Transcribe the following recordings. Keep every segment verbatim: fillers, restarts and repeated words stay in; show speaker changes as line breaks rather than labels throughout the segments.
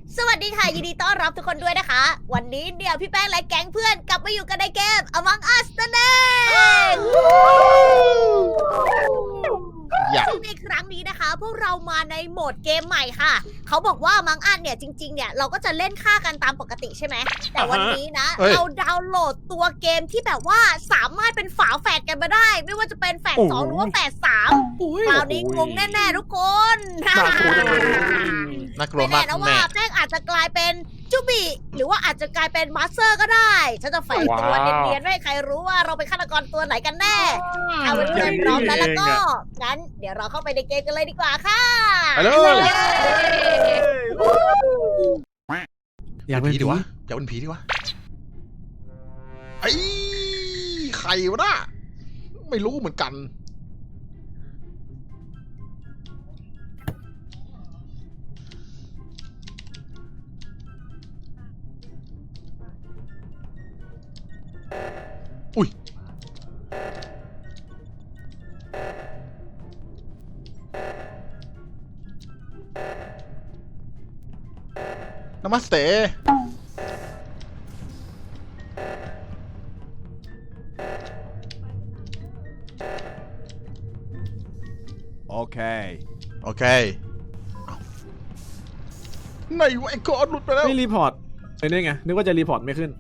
สวัสดีค่ะยินดีต้อนรับทุกคนด้วยนะคะ วันนี้เดี๋ยวพี่แป้งและแก๊งเพื่อนกลับมาอยู่กันในเกม Among Us นั่นเองซึ่งในครั้งนี้นะคะ พวกเรามาในโหมดเกมใหม่ค่ะ เขาบอกว่า Among Us เนี่ยจริงๆเนี่ยเราก็จะเล่นฆ่ากันตามปกติใช่ไหมแต่วันนี้นะ เราดาวน์โหลดตัวเกมที่แบบว่าสามารถเป็นฝาแฝดกันมาได้ ไม่ว่าจะเป็นแฝดสองหรือว่าแฝดสามคราวนี้งงแน่ๆทุกคนน่ากลัว
น่ากลัว
ไม่
มาก
แน่นะว่าแป้งอาจจะกลายเป็นจูบิหรือว่าอาจจะกลายเป็นมาสเตอร์ก็ได้ฉันจะแฝงตัวเนียนๆไม่ให้ใครรู้ว่าเราเป็นฆาตกรตัวไหนกันแน่เอาเป็นเพื่อนพร้อมแล้วแล้วก็งั้นเดี๋ยวเราเข้าไปในเกมกันเลยดีกว่าค่ะ
ไปเลย
อยากเป็น
ผี
ผี
ดีวะอยากเป็นผีดีวะไอ้ใครวะน่ะไม่รู้เหมือนกันอุ้ยนามัสเต
โอเค
โอเคเอ้าไหนวะไอ้กอดหลุดไปแล้ว
ไม่รีพอร์ตเป็นได้ไงนึกว่าจะรีพอร์ตไม่ขึ้น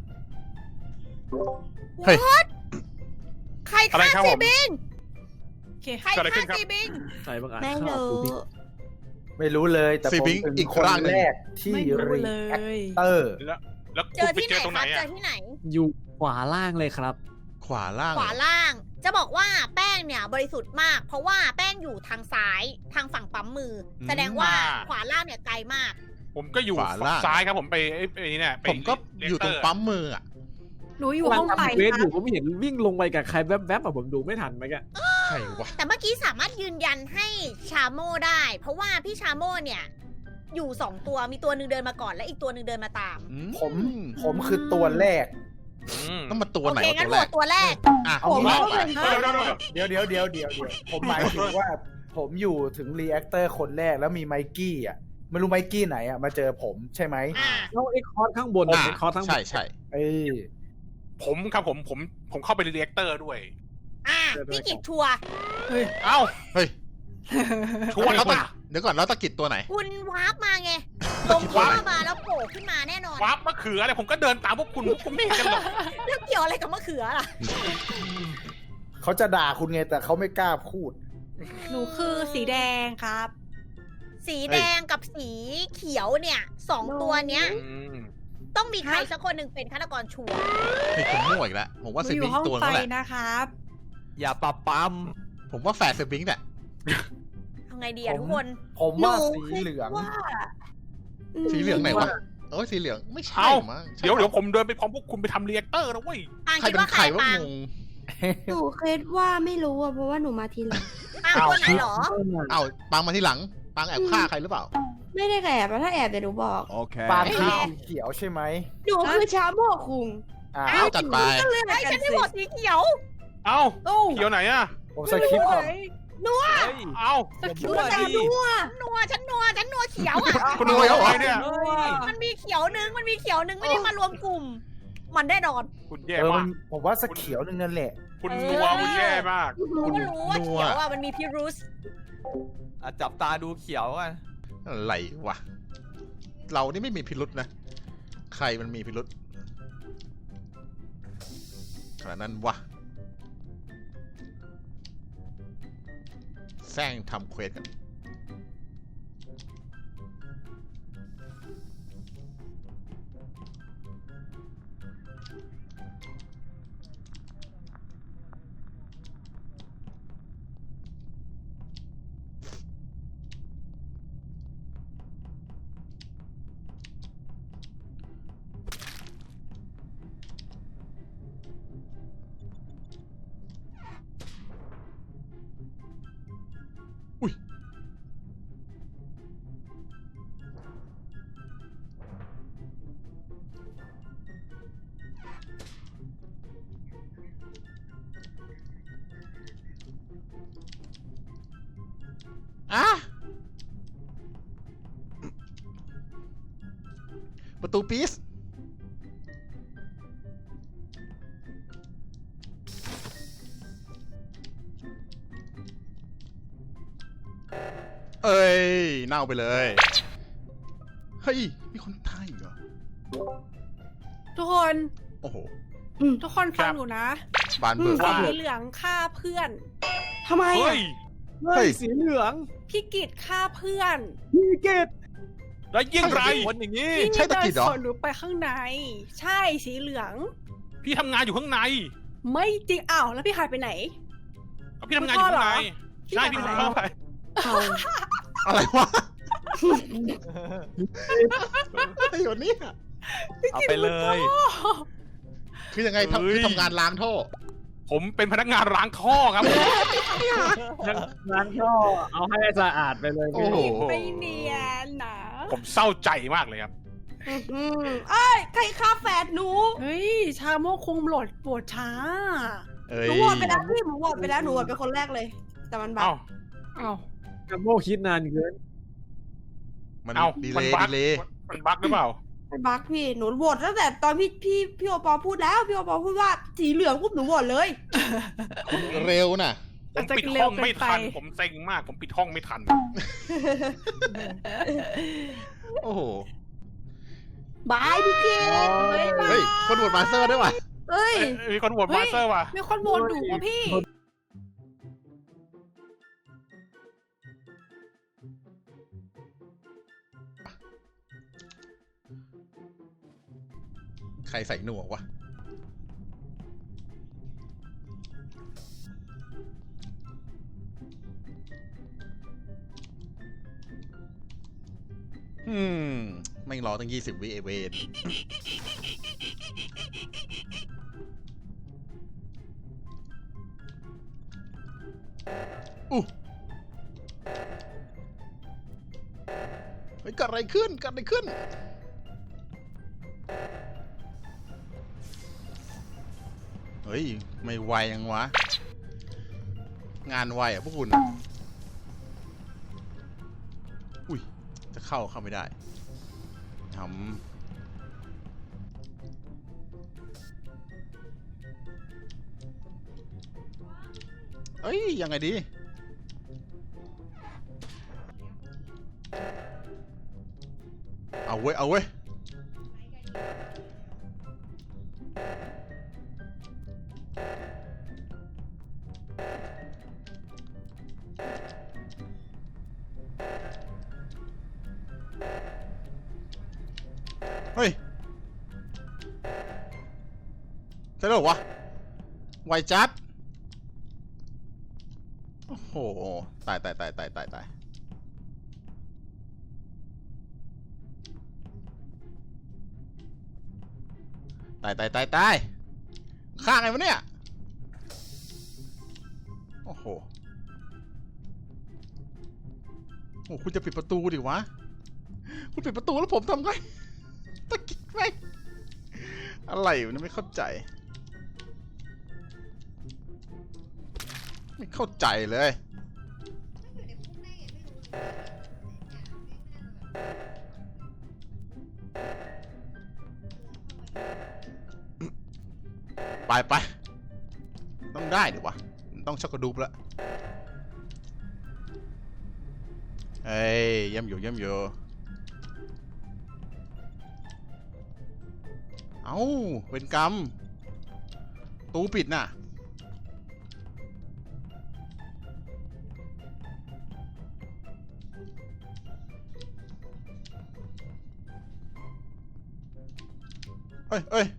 เฮ้ย
ใคร
อะไร
ฆ่า
ครับ
ซี
ผม
บิง
โอเค
ใคร
เกิดอะไรขึ้
ฆ่าน
ครับ
ซีบิง
ใส่บางอัน
ไม่
ข้าว
รู้
ดูดิ
ไม่รู้เลยแต่
ซี
ผม
บิง
เป็น
อีก
คน
ร่างหนึ่ง
แรกที่
ไม่รู้
รี
เล
แอค
ย
เตอร์
แล้วแล้ว
เจ
คุณ
อ
ไป
ที่ไห
เจ
น
อตรง
ค
ไหน
รับเจ
อ่ะ
อที่ไหน
อยู่ขวาล่างเลยครับ
ขวาล่าง
ขวาล่าง จะบอกว่าแป้งเนี่ยบริสุทธิ์มาก เพราะว่าแป้งอยู่ทางซ้ายทางฝั่งปั๊มมืออแสดงว่าขวาล่างเนี่ยไกลมาก
ผมก็อยู่
ขวาล่าง
ซ้ายครับผมไปไอ้ไอ้นี่เนี่ยไป
ผมก็อยู่ตรงปั๊มมืออ่ะ
หนูอยู่ห้องไฟ
เวท
ค
อ
รับ
ยู่ผมเห็นวิ่งลงไปกับใครแวบๆอะผมดูไม่ทันไหมแก
ใครวะ
แต่เมื่อกี้สามารถยืนยันให้ชาโม่ได้ เพราะว่าพี่ชาโม่เนี่ยอยู่สองตัวมีตัวหนึ่งเดินมาก่อนและอีกตัวหนึ่งเดินมาตาม
อื
ผมผมคือตัวแรก
อืม
ต้องมาตัว
โอ
ไหน
เคว
ะ
งั้
ตั
น
ว
โห
แร
ว
ก
ตตัวแรก
อ่ะ
ผม
ว่าไป
เดี๋ยวเดี๋ยวเดี๋ยวเดี๋ยวเดี๋ยวผมหมายถึงว่าผมอยู่ถึงรีแอคเตอร์คนแรกแล้วมีไมกี้อ่ะไม่รู้ไมกี้ไหนอ่ะมาเจอผมใช่ไหม
อ่า
แล้วไอ้คอร์สข้างบน
อ่ะ
ไอ้คอร์สข้างบ
ใช่
น
ใช่
เอ้ย
ผมครับผมผมผมเข้าไปในเรียกเตอร์ด้วย
อ่าพี่กิจชัวร์
เอ้า
เฮ้ย
ชัวร์
แล้ว
ป่ะ
เดี๋ยวก่อนแล้วตะกิดตัวไหน
คุณวาร์ปมาไงลง
วา
ท่
ร์
อ
ป
มาแล้วโผล่ขึ้นมาแน่นอน
วับมะเขืออะไรผมก็เดินตามพวกคุณพวกคุณไม่เห็นกันหรอก
เรื่องเกี่ยวอะไรกับมะเขือล่ะ
เขาจะด่าคุณไงแต่เขาไม่กล้าพูด
หนูคือสีแดงครับ
สีแดงกับสีเขียวเนี่ยสองตัวเนี้ย
อืม
ต้องมีใครสักคนหนึ่งเป็นฆาตกรชัวร์
เฮ้ยผมมั่วอีกแล้วผมว่า
หนู
เซ
อ
บิ
ยู่
ง
ห้อง
ตัว
ไฟ
นั่นแหละ
นะครับ
อย่าปรับปั๊ม
ผมว่าแฝดเซบิงเนี่ย
ทำไงดีอะทุกคน
ผมว่า
หนู
สีเหลือง
ว่า
สีเหลืองไหนวะโอ้ยสีเหลืองไม่ใช่
เอ้า
มั้ง
เดี๋ยวเดี๋ยวผมเดินไปพร้อมพวกคุณไปทำเรียกเตอร์นะเว้ย
ปาง
ใคร
คิด
เป็น
ว่า
ใค
ใค
ร
ร
วะ
ปาง
งง
หนูคิดว่าไม่รู้อ่ะเพราะว่าหนูมาทีหลัง
ปางตัวไหนเหรอ
เอ้าปังมาที่หลังปังแอบฆ่าใครหรือเปล่า
ไม่ได้แอบแล้วถ้าแอบเดี๋ยวหนูบอก
โอเค
ปางคือสีเขียวใช่ไหม
หนูคือชาโมกคุง
อ่า
เอาจัดไป
ก็เลือก
ไอ้ย
กั
ฉัน
น
ได้
สิ
โหวตสีเขียว
เอ้า
ตู้
เขียวไหนอ่ะ
ผมสคริปต์ก่อน
เอ้า
นัวนัว
นัวฉันนัวฉันนัวเขียวอ่ะ
คุณรวยเอาไว้เนี่ย
มันมีเขียวหนึงมันมีเขียวหนึงไม่ได้มารวมกลุ่ม มันแน่นอน
คุณแย่
เออมั
มาน ก
ผมว่าสกเขียวนึงนั่นแหละ
คุณนัวคุณแย่มาก
รู้ก็รู้ว่า
นัว
เขียวอ่ะมันมีพิรุษ
อ่ะจับตาดูเขียวกัน
อะไรวะเรานี่ไม่มีพิรุษนะใครมันมีพิรุษขนาดนั้นวะแซงทำเควสกันอ่ะประตูปีสเอ้ยเน่าไปเลยเฮ้ยมีคนตายเหรอ
ทุกคน
โอ้โห
ทุกคนฟังหนูนะ
บานเบิร์
สีเหลืองฆ่าเพื่อน
ทำไม
เฮ้
อ่ะ
ย
เฮ้ยสีเหลือง
พี่กิตฆ่าเพื่อน
พี่เกต
แล้วยิ่งไร
คนอย่างนี้
พี่
ใช่ตะ
เดิน
กิดเหรอ
สวนหนูไปข้างใน ใช่สีเหลือง
พี่ทำงานอยู่ข้างใน
ไม่จริงอ้าวแล้วพี่หายไปไหน
เอาพี่ทำงานอยู่ข้างใน
พี่
ใช่
พ่
พี่
อเหรอ
เข้าไป
อะไรวะไอ้หยดนี่
เอาไปเลย
คือยังไงทำคือทำงานล้างท่อ
ผมเป็นพนักงานล้างท่อครับ
งานก็เอาให้สะอาดไปเลย
โอ้
พี่
โห
ไม่เนียนนะ
ผมเศร้าใจมากเลยครับ
อืมเอ้ยใครฆ่าแฟนหนู
เฮ้ยชาโมกคงโหลดปวดช้า
เอ้
ห
ย
นูโหวตไปแล้วพี่หนูโหวตไปแล้วหนูโหวตเป็นคนแรกเลย แต่มันบัก
เอ้า
อ้าว
กระโมคิดนานเกิน
มัน
เอ้า
ดี
มั
เล
น
ย์
บั๊
ดี
ก
เลย
มันบั๊กหรือเปล่า
มันบักพี่หนูโหวตตั้งแต่ตอนพี่พี่พี่โอปอพูดแล้วพี่โอปอพูดว่าสีเหลืองปุ๊บหนูโหวตเลย
เร็วน่ะ
ผมปิดห้องไม่ทัน ผมเซ็งมาก ผมปิดห้องไม่ทัน
โอ้โห
บายพี่เกด
เฮ้ย คนโหวตมาสเตอร์ด้วยว่ะ
เอ้ย
เอ้ยมีคนโหวตมาสเตอร์ว่ะ
มีคนโหวตหนูอะพี่
ใครใส่หนวกวะ อืม ไม่งรอตั้งยี่สิบวิเอเวนอู้เฮ้ยเกิดอะไรขึ้นเกิดอะไรขึ้น เฮ้ย ไม่ไวยังวะ งานไวอ่ะพวกคุณอะอุ้ย จะเข้าเข้าไม่ได้ทำเอ้ย ยังไงดี เอาเว้ย เอาเว้ย เฮ้ยใช่หรอวะ ไวจัด โอ้โห ตายตายตายตายตายตายตายตายตายตายฆ่าไงวะเนี่ย โอ้โห โอ้คุณจะปิดประตูดิวะ คุณปิดประตูแล้วผมทำไงตะกี้ไหมอะไรอยู่นี่ไม่เข้าใจ ไม่เข้าใจเลย ไปไปต้องได้ดิวะต้องช็อกโกดูปแล้วเอ้ยเยี่ยมอยู่เยี่ยมอยู่เอ้าเป็นกรรมตูปิดน่ะเอ้ยเอ้ย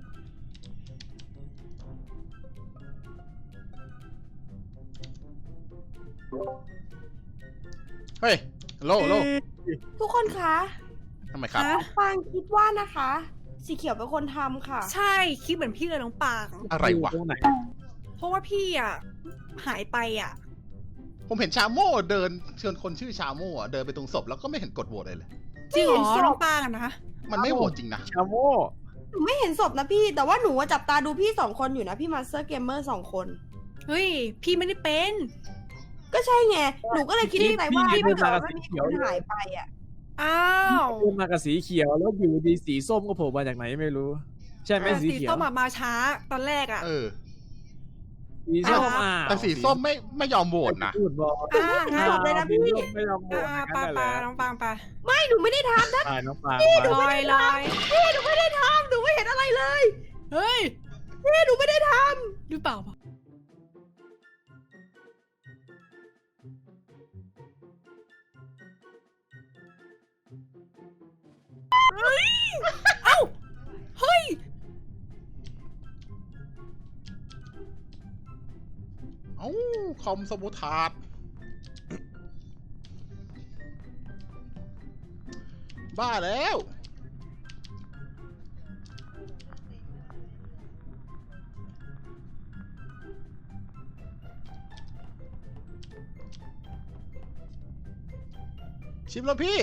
เฮ้ยโลโล
ทุกคนคะ
ทำไมครับ
ฮะ
ปางคิดว่านะคะ สีเขียวเป็นคนทำค่ะ
ใช่คิดเหมือนพี่เลยน้องปาง
อะไรวะ
ตรงไหน
เพราะว่าพี่อ่ะหายไปอ่ะ
ผมเห็นชาโม่เดินเชิญคนชื่อชาโม่อะเดินไปตรงศพแล้วก็ไม่เห็นกดโหวตอะไรเลย
จริงเหร
ไม่
อ
เห็นศพ
น้องปางอะนะ
มันไม่โหวตจริงนะ
ชาโม
หนูไม่เห็นศพนะพี่ แต่ว่าหนูอะจับตาดูพี่สองคนอยู่นะพี่มาสเตอร์เกมเมอร์สองคน
เฮ้ยพี่ไม่ได้เป็น
ก็ใช่ไง หนูก็เลยคิดในใจว่า
พี่
ถ้า
เดิน
เกิ
มา
ด
กับ
ว่า
สี
มี
เขี
ค
ยวน อยู่
หายไปอ่ะ
อ้าว
ขึ้นมากับสีเขียวแล้วอยู่ดีสีส้มก็โผล่มาจากไหนไม่รู้ ใช่ไหม
แต่
สี
สี
เขียว
ส้มอะมาช้าตอนแรกอะ
เออ
สีส้มอ่ะ
แต่สีส้มไม่ไม่ยอมโหวตนะ
พูดบอก
อ่างั้นจบเลยนะพี่
สีส้มไม่ยอมโหวต
อ่า
กั
ปาน
แห
ปา
ละ
น้องปางปา
ไม่หนูไม่ได้ทำนะ
ตายน้องปาง
ลอยลอย
พี่หนูไม่ได้ทำหนูไม่เห็นอะไรเลย
เฮ้ย
พี่หนูไม่ได้ท
หรือเปล่า เฮ้ย
เอ้าคอมสมุทาดบ้าแล้ว ชิมแล้วพี่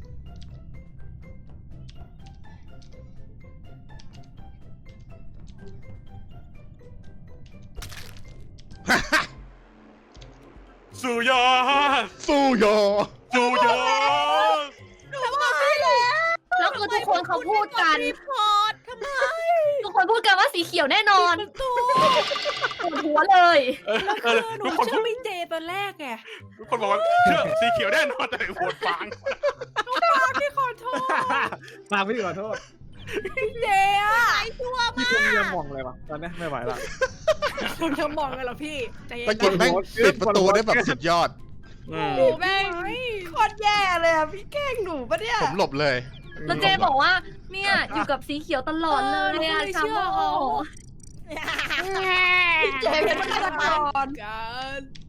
สุยอด
สู้ยอ
สุยอด
ำหนูบอกพี่แล้ว
แล้วคือทุกคนเขาพูดกัน
รีพอร์ตทำไม
ทุกคนพูดกันว่าสีเขียวแน่นอนปวดหัวเลย
เออ
แล้ว
เอ
คือ
อ
หนู
ทุกคน
เชื่อพี่เจตอนแรกไง
ทุกคนบอกว่าเชื่อสีเขียวแน่นอนแต่โหวตฟาง
พี่ขอโทษ
ปางพี่ขอโทษ
พี่เจอะ
ไอ้ชั่ว
พี่
มาก
คงจะมองเลยว่ะตอนนี้ไม่ไหวละ
คุณจะมองกันเหรอพี่ใจเย็น
ตะกิดแม่งปิดประตูได้แบบสุดยอด
อืม
โอ้แม่ง
โคตรแย่เลยอ่ะพี่แกล้งหนูปะเนี่ย
ผมหลบเลย
แล้วเจบอกว่า เนี่ยอยู่กับสีเขียวตลอดเลยอะชาโม
พี่เจเป็นฆาตกร
กัน